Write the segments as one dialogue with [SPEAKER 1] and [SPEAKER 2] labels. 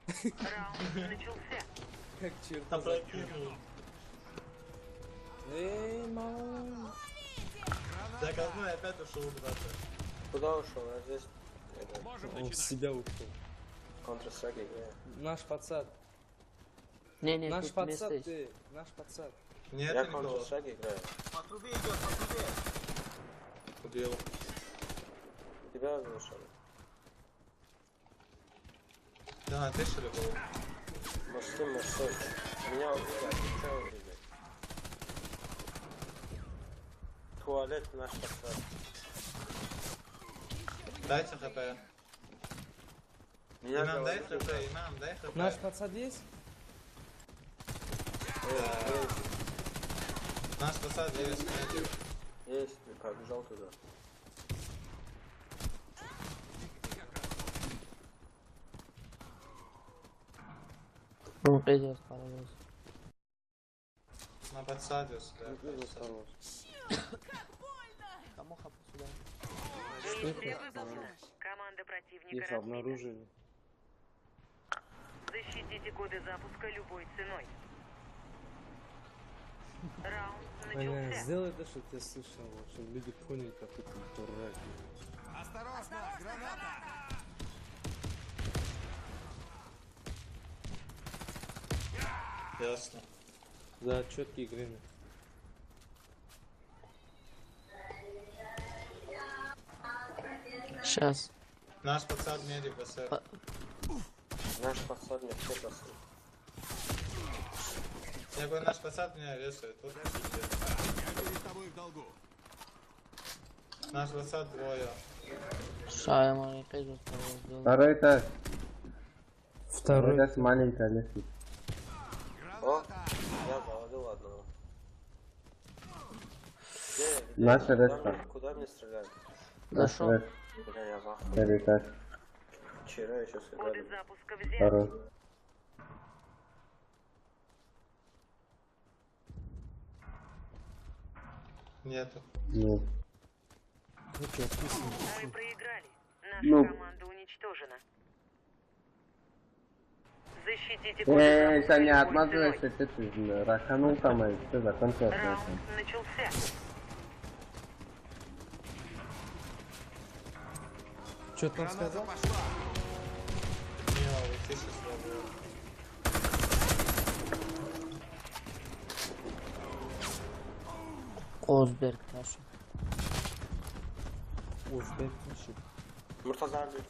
[SPEAKER 1] Раунд начался.
[SPEAKER 2] Как черт.
[SPEAKER 3] Опрокинул.
[SPEAKER 2] Эй, мама.
[SPEAKER 3] Так, одной опять ушел куда-то.
[SPEAKER 4] Куда ушел? Я здесь.
[SPEAKER 2] Он в себя ушел.
[SPEAKER 4] Counter-Strike играю.
[SPEAKER 2] Наш пацан.
[SPEAKER 5] Не,
[SPEAKER 2] Наш
[SPEAKER 5] тут
[SPEAKER 2] пацан
[SPEAKER 5] место есть.
[SPEAKER 2] ты. Наш пацан.
[SPEAKER 3] Нет,
[SPEAKER 4] Я
[SPEAKER 3] никого.
[SPEAKER 4] Counter-Strike играю.
[SPEAKER 6] По трубе идет, по трубе.
[SPEAKER 3] Убил.
[SPEAKER 4] Тебя озвучили.
[SPEAKER 3] Да, ты что ли был?
[SPEAKER 4] Мужской. Меня убили. Что убили? Туалет наш пацан.
[SPEAKER 3] Дайте хп.
[SPEAKER 4] Меня
[SPEAKER 3] Имам, дай
[SPEAKER 4] говорили,
[SPEAKER 3] хп, имам, дай хп.
[SPEAKER 2] Наш пацан есть?
[SPEAKER 3] Наш посад есть.
[SPEAKER 4] Есть, побежал туда.
[SPEAKER 5] Ну, пиздец, параллель.
[SPEAKER 3] На подсаде сюда.
[SPEAKER 5] Кому хапу сюда?
[SPEAKER 1] Миссия выполнена. Команда противника
[SPEAKER 2] Их
[SPEAKER 1] разбита.
[SPEAKER 2] обнаружили.
[SPEAKER 1] Защитите коды запуска любой ценой. Раунд
[SPEAKER 2] Аня,
[SPEAKER 1] начался.
[SPEAKER 2] сделай то, что ты слышал, чтобы люди поняли, как ты дурак.
[SPEAKER 6] Осторожно, граната.
[SPEAKER 3] Ясно.
[SPEAKER 2] За четкие игры.
[SPEAKER 5] Сейчас.
[SPEAKER 3] Наш подсад медик БСР.
[SPEAKER 4] Наш пацан мне все бросил.
[SPEAKER 3] Я говорю, наш посад меня вешает. Вот пиздец.
[SPEAKER 6] Я перед тобой в долгу.
[SPEAKER 3] Наш посад двое.
[SPEAKER 5] Ша, я могу пиздец, параллель.
[SPEAKER 7] Второй этаж.
[SPEAKER 2] Второй.
[SPEAKER 7] Второй этаж маленькая лестница.
[SPEAKER 4] О, я завалил одного. Где?
[SPEAKER 7] Наша
[SPEAKER 4] Куда
[SPEAKER 7] реста.
[SPEAKER 4] мне- Куда мне стрелять?
[SPEAKER 5] Зашел.
[SPEAKER 4] Бля, я захуй.
[SPEAKER 7] Второй этаж.
[SPEAKER 4] Вчера еще
[SPEAKER 1] Коды
[SPEAKER 4] сыграли.
[SPEAKER 1] запуска взяты.
[SPEAKER 7] Второй.
[SPEAKER 3] Нету.
[SPEAKER 7] Нет.
[SPEAKER 2] Ну что, описано?
[SPEAKER 1] Мы проиграли. Наша
[SPEAKER 7] Ну.
[SPEAKER 1] команда уничтожена. Защитите коды
[SPEAKER 7] Эй,
[SPEAKER 1] запуска
[SPEAKER 7] Саня,
[SPEAKER 1] любой
[SPEAKER 7] отмазывайся,
[SPEAKER 1] ценой.
[SPEAKER 7] ты раханул там, и все, закончилось.
[SPEAKER 1] Раунд начался.
[SPEAKER 2] Что ты там
[SPEAKER 6] Граната
[SPEAKER 2] сказал?
[SPEAKER 6] пошла.
[SPEAKER 3] Не, вы тише слабые.
[SPEAKER 5] Озберг наш.
[SPEAKER 2] Узбек пишет.
[SPEAKER 4] Муртаза abi.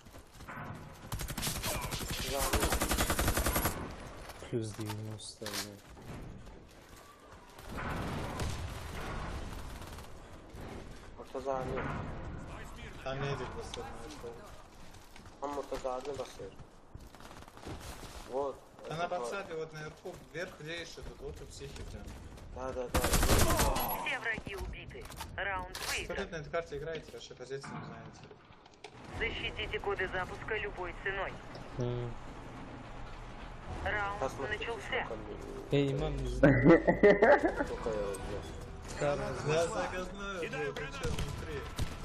[SPEAKER 2] Плюс 90, блядь.
[SPEAKER 4] Murtaza abi.
[SPEAKER 3] Там медик БСР нашел.
[SPEAKER 4] Там Murtaza abi basıyor. Вот.
[SPEAKER 3] Да на подсаде вот наверху, вверх лейший, тут вот у психики.
[SPEAKER 4] Да.
[SPEAKER 1] Все враги убиты. Раунд
[SPEAKER 3] Смотрите,
[SPEAKER 1] выигран.
[SPEAKER 3] на этой карте играете, ваши позиции не знаете.
[SPEAKER 1] Защитите коды запуска любой ценой. Раунд
[SPEAKER 4] Посмотрите,
[SPEAKER 1] начался.
[SPEAKER 4] сколько мне-
[SPEAKER 2] Эй, имам, не знаю.
[SPEAKER 4] сколько я убил.
[SPEAKER 3] Я заказную был, причем внутри.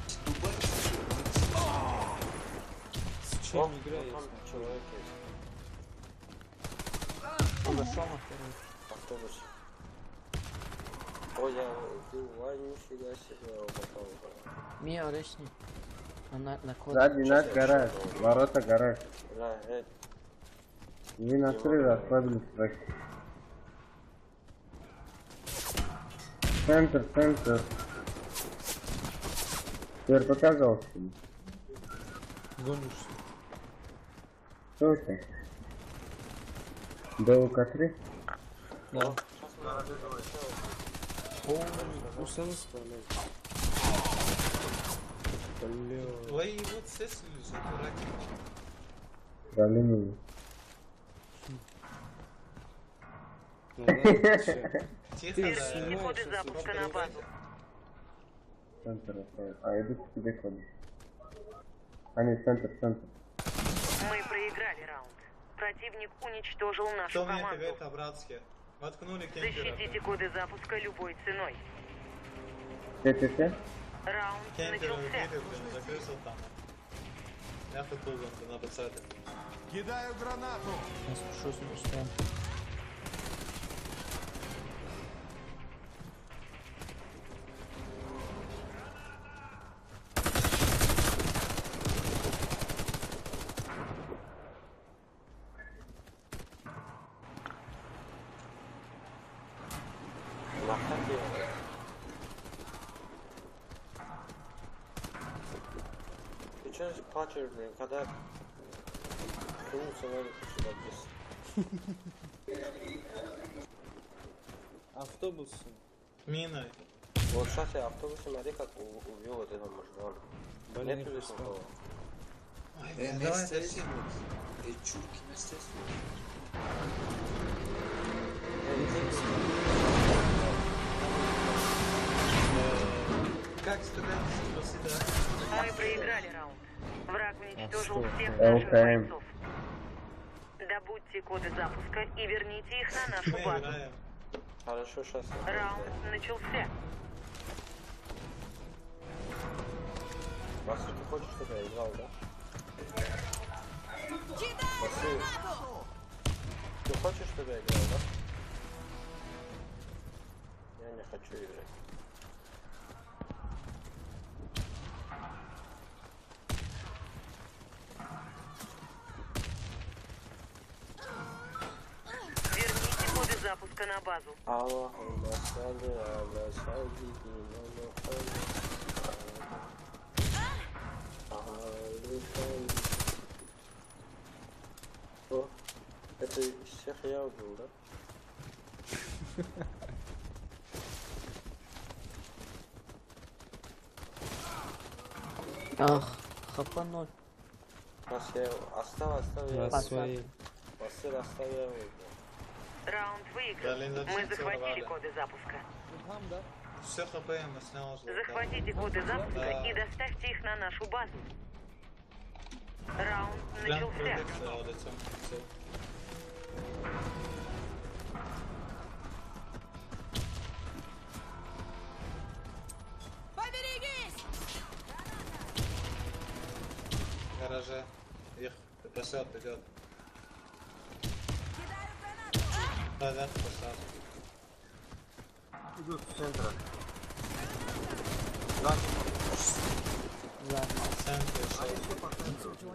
[SPEAKER 2] С чем
[SPEAKER 4] Там
[SPEAKER 2] играешь?
[SPEAKER 4] человек есть.
[SPEAKER 5] Зашел на второй.
[SPEAKER 4] Автобус. Ой, я убил. Ай, нифига себе, он попал.
[SPEAKER 5] Мия, орешни. На код.
[SPEAKER 7] Сзади наш гараж. Ворота гараж.
[SPEAKER 4] Бля,
[SPEAKER 7] Не накрыли, расслабились трохи. Центр. Теперь показался.
[SPEAKER 2] Гонишься.
[SPEAKER 7] Что это? ДУК-3?
[SPEAKER 2] Да.
[SPEAKER 4] сейчас мы разыгрываем.
[SPEAKER 2] О, Усана справляется. Бля.
[SPEAKER 3] Ой, вот сессили же, дураки.
[SPEAKER 7] Раненый.
[SPEAKER 2] Ну ладно, чё.
[SPEAKER 3] Тихо,
[SPEAKER 2] Ты
[SPEAKER 3] да.
[SPEAKER 1] Держите
[SPEAKER 2] снимаешь,
[SPEAKER 1] коды
[SPEAKER 2] сейчас
[SPEAKER 1] запуска на базу.
[SPEAKER 7] Центр оставил. А, иду к тебе ходить. А, нет, центр.
[SPEAKER 1] Мы проиграли раунд. Противник уничтожил нашу
[SPEAKER 3] Кто мне
[SPEAKER 1] команду.
[SPEAKER 3] говорит по-братски? Воткнули кемпера.
[SPEAKER 1] Защитите коды запуска любой ценой.
[SPEAKER 7] Те.
[SPEAKER 1] Раунд
[SPEAKER 3] Кемпера
[SPEAKER 1] начался.
[SPEAKER 3] убили, блин, закрылся там. Я футбол на подсаде.
[SPEAKER 6] Кидаю гранату.
[SPEAKER 5] Я спущусь на устроен.
[SPEAKER 4] Махати. Ты чё плачешь, блин, когда... Кинуться надо сюда здесь.
[SPEAKER 2] Автобусом.
[SPEAKER 3] Миной.
[SPEAKER 4] Вот сейчас я автобус, смотри, как убил вот этого мужика.
[SPEAKER 2] Блин,
[SPEAKER 4] Нет
[SPEAKER 2] не
[SPEAKER 4] здесь никого.
[SPEAKER 3] Ой, давай тащи. Как студенты спросили?
[SPEAKER 1] Мы проиграли раунд. Враг уничтожил
[SPEAKER 2] что?
[SPEAKER 1] всех наших
[SPEAKER 7] ЛКМ.
[SPEAKER 1] бойцов. Добудьте коды запуска и верните их на нашу
[SPEAKER 3] Мы
[SPEAKER 1] базу.
[SPEAKER 3] играем.
[SPEAKER 4] Хорошо, сейчас.
[SPEAKER 1] Раунд начался.
[SPEAKER 4] Вася, ты хочешь, чтобы я играл, да? Василий, ты хочешь, чтобы я играл, да? Я не хочу играть.
[SPEAKER 1] Верните коды запуска на базу.
[SPEAKER 4] Аллахумма салли аля сайидина Мухаммад. О, это всех я убил, да?
[SPEAKER 5] Ах, хапануть.
[SPEAKER 4] Нас я оставил, я
[SPEAKER 2] На своей.
[SPEAKER 4] Василий, оставил я убил.
[SPEAKER 1] Раунд
[SPEAKER 3] Блин,
[SPEAKER 1] выигран.
[SPEAKER 3] да
[SPEAKER 1] Мы
[SPEAKER 3] все
[SPEAKER 1] захватили
[SPEAKER 3] целовали.
[SPEAKER 1] коды запуска.
[SPEAKER 3] Все хп я снял уже.
[SPEAKER 1] Захватите коды запуска
[SPEAKER 3] Да.
[SPEAKER 1] и доставьте их на нашу базу. Раунд
[SPEAKER 3] Прям
[SPEAKER 1] начался.
[SPEAKER 3] прыгать лицом. Всё. В гараже. Их посад идет. Да, да, посад.
[SPEAKER 4] Идут с центра.
[SPEAKER 5] Да.
[SPEAKER 3] В центре шел.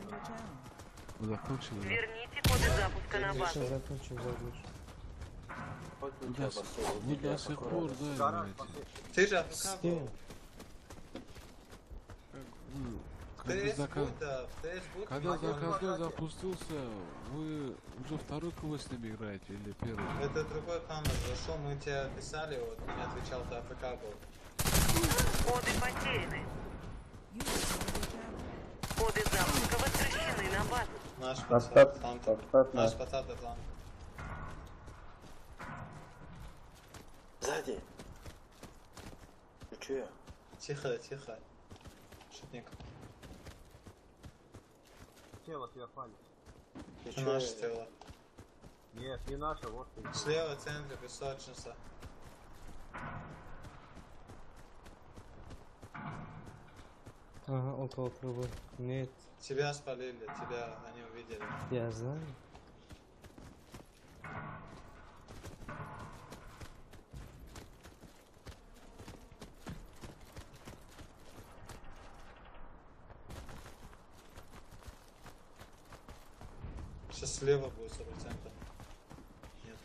[SPEAKER 1] Верните коды запуска на базу.
[SPEAKER 2] Сейчас закончим задушь.
[SPEAKER 4] Хоть у тебя Василий,
[SPEAKER 8] Вы до сих пор, да, знаете.
[SPEAKER 3] Ты же
[SPEAKER 2] С
[SPEAKER 3] АФК
[SPEAKER 2] кем?
[SPEAKER 3] был.
[SPEAKER 8] Когда заказ...
[SPEAKER 3] в
[SPEAKER 8] Когда заказ запустился, вы уже второй квест с ними играете или первый?
[SPEAKER 3] Это другой камер зашел, мы тебя писали, вот не отвечал, ты АФК был.
[SPEAKER 1] Коды потеряны. Коды запуска возвращены на базу.
[SPEAKER 3] Наш
[SPEAKER 7] Остат,
[SPEAKER 3] пацан, Атланта.
[SPEAKER 7] остат,
[SPEAKER 3] Наш
[SPEAKER 7] да.
[SPEAKER 3] пацан Атланта.
[SPEAKER 4] Сзади. Ты чё?
[SPEAKER 3] Тихо, тихо. Шутник.
[SPEAKER 9] Тело тебя палит.
[SPEAKER 4] Ты
[SPEAKER 3] Это
[SPEAKER 4] чё?
[SPEAKER 3] наше тело.
[SPEAKER 9] Нет, не наше, вот ты.
[SPEAKER 3] Слева в центре песочница.
[SPEAKER 2] Ага, около трубы. Нет,
[SPEAKER 3] Тебя спалили, тебя они увидели.
[SPEAKER 2] я знаю.
[SPEAKER 3] Сейчас слева будет 40 центов. Нет.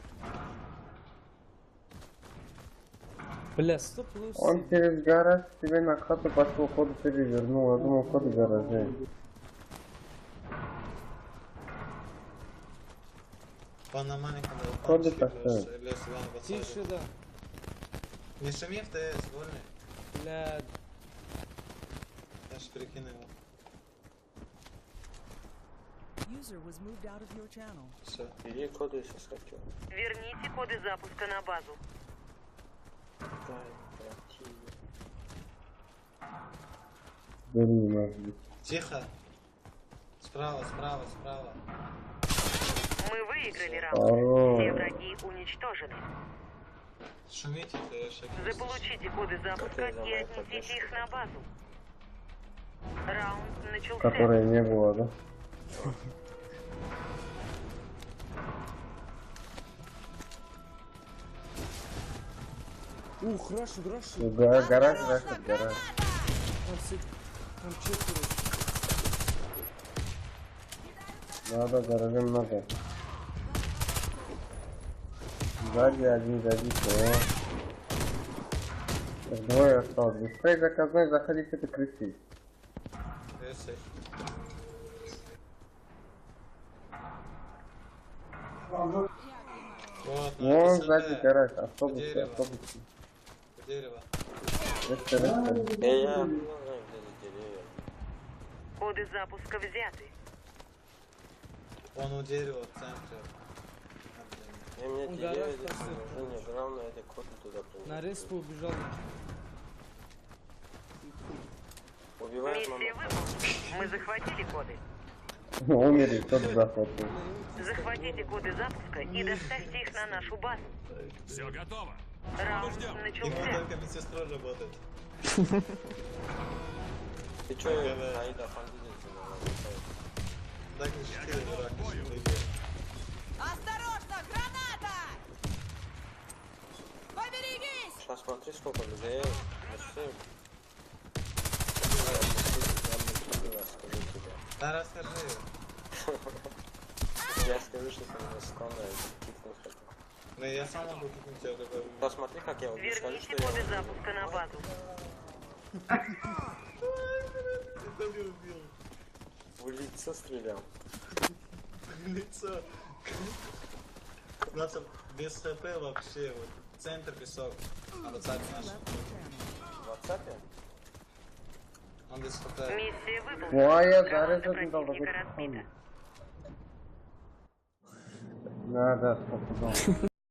[SPEAKER 2] Бля, 100 плюс.
[SPEAKER 7] Он через гараж тебе на хату пошел, ходу перевернул. Я думал, ходу гаражей.
[SPEAKER 3] Вон на маленьком
[SPEAKER 7] Ходу
[SPEAKER 3] балкончике
[SPEAKER 7] поставь.
[SPEAKER 3] лес вон в отсаде.
[SPEAKER 2] Тише, да.
[SPEAKER 3] Не шуми в ТС, вольный.
[SPEAKER 2] Бля,
[SPEAKER 3] Я ж перекину его.
[SPEAKER 10] User was moved out of your channel.
[SPEAKER 3] Все.
[SPEAKER 4] Иди коды сейчас хочу.
[SPEAKER 1] Верните коды запуска на базу.
[SPEAKER 7] Бери, может быть.
[SPEAKER 3] Тихо. Справа, справа, справа.
[SPEAKER 1] Мы выиграли раунд.
[SPEAKER 7] Здорово.
[SPEAKER 1] Все враги уничтожены.
[SPEAKER 3] Шумите, ТС.
[SPEAKER 1] Заполучите коды запуска и отнесите их на базу. Раунд начался.
[SPEAKER 7] Которой не было, да?
[SPEAKER 2] Ух, рашит.
[SPEAKER 7] Гараж, рашит, гараж.
[SPEAKER 2] Там четверо.
[SPEAKER 7] Надо, гаража много. Сзади один, все. Двое осталось. Быстрее заказной, заходите, это крысить.
[SPEAKER 3] Крысы. Вот, на
[SPEAKER 7] Вон
[SPEAKER 3] ТСД.
[SPEAKER 7] сзади гараж, автобусы,
[SPEAKER 3] Дерево.
[SPEAKER 7] автобусы.
[SPEAKER 3] У дерева.
[SPEAKER 7] Рыска.
[SPEAKER 5] Я
[SPEAKER 1] Коды запуска взяты.
[SPEAKER 3] Он у дерева в центре.
[SPEAKER 5] мне
[SPEAKER 2] Он
[SPEAKER 5] деревья
[SPEAKER 2] гараж
[SPEAKER 5] здесь
[SPEAKER 2] так
[SPEAKER 5] не нужны, главное это коды туда
[SPEAKER 2] На
[SPEAKER 5] принести.
[SPEAKER 2] респу убежал.
[SPEAKER 5] Убивает мама.
[SPEAKER 1] Миссия выполнена. Мы захватили коды.
[SPEAKER 7] Умерли, тот захватил.
[SPEAKER 1] Захватите коды запуска и доставьте их на нашу базу.
[SPEAKER 6] Все готово.
[SPEAKER 1] Раунд
[SPEAKER 3] Ему
[SPEAKER 1] начался.
[SPEAKER 3] только медсестрой работает.
[SPEAKER 5] Ты чё, Аида,
[SPEAKER 3] Так и 4 дурак, не
[SPEAKER 10] Осторожно, граната! Поберегись!
[SPEAKER 5] Сейчас смотри, сколько людей. Merci. Скажу тебе.
[SPEAKER 3] Да расскажи.
[SPEAKER 5] Я скажу, что ты меня скоро кикнуть хотел.
[SPEAKER 3] Ну я сам могу кикнуть тебя, такой.
[SPEAKER 5] Посмотри, как я убью. Скажи,
[SPEAKER 1] Верните
[SPEAKER 5] что
[SPEAKER 1] коды
[SPEAKER 5] я
[SPEAKER 1] запуска на базу.
[SPEAKER 3] Ты не убил.
[SPEAKER 5] в лицо стрелял.
[SPEAKER 3] В лицо. У нас без ХП вообще, вот, центр песок. А вот наш.
[SPEAKER 5] В WhatsApp?
[SPEAKER 3] Он без ХП.
[SPEAKER 1] Миссия выполнена.
[SPEAKER 7] Ну а я
[SPEAKER 1] Команда
[SPEAKER 7] зарезал, не дал
[SPEAKER 1] противника разбита.
[SPEAKER 7] Надо, стоп,